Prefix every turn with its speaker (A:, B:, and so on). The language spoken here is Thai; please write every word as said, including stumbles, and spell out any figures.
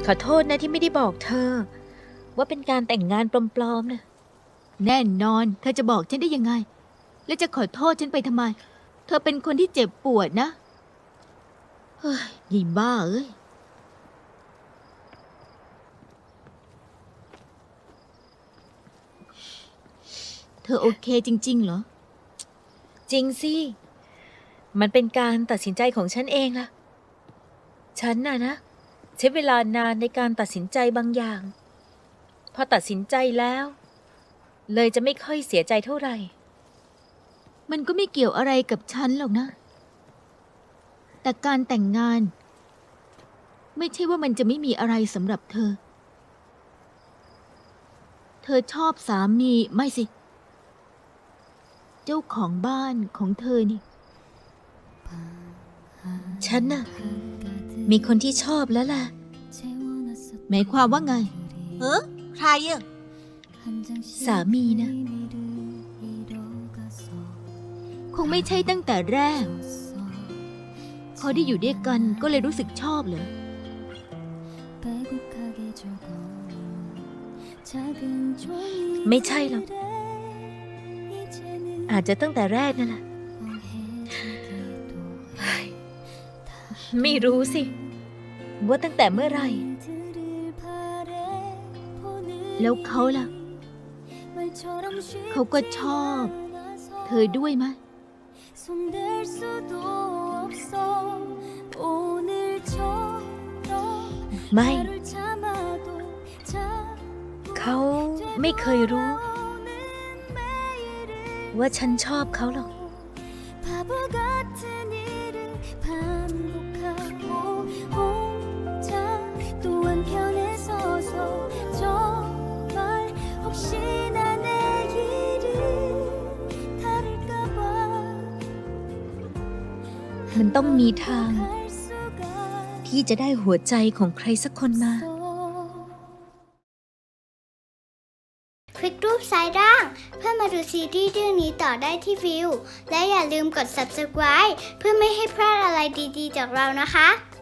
A: ขอโทษนะที่ไม่ได้บอกเธอว่าเป็นการแต่งงานปลอมๆนะ
B: แน่นอนเธอจะบอกฉันได้ยังไงแล้วจะขอโทษฉันไปทำไมเธอเป็นคนที่เจ็บปวดนะเฮ้ยยิ่งบ้าเอ้ยเธอโอเคจริงๆเหรอ
A: จริงสิมันเป็นการตัดสินใจของฉันเองล่ะฉันน่ะนะใช้เวลานานในการตัดสินใจบางอย่างพอตัดสินใจแล้วเลยจะไม่ค่อยเสียใจเท่าไหร่
B: มันก็ไม่เกี่ยวอะไรกับฉันหรอกนะแต่การแต่งงานไม่ใช่ว่ามันจะไม่มีอะไรสำหรับเธอเธอชอบสามีไม่สิเจ้าของบ้านของเธอนี่
A: ฉันน่ะมีคนที่ชอบแล้วล่ะ
B: หมายความว่าไง
C: เฮ้อใครอ่ะ
A: สามีนะ
B: คงไม่ใช่ตั้งแต่แรกพอได้อยู่ด้วยกันก็เลยรู้สึกชอบเหรอ
A: ไม่ใช่หรอกอาจจะตั้งแต่แรกนั่นแหละไม่รู้สิว่าตั้งแต่เมื่อไหร่
B: แล้วเขาล่ะเขาก็ชอบเธอด้วยไหม
A: ไม่เขาไม่เคยรู้ว่าฉันชอบเขาหรอกมันต้องมีทางที่จะได้หัวใจของใครสักคนมา
D: คลิกรูปซ้ายล่างเพื่อมาดูซีรีส์เรื่องนี้ต่อได้ที่วิวและอย่าลืมกด ซับสไครบ์ เพื่อไม่ให้พลาดอะไรดีๆจากเรานะคะ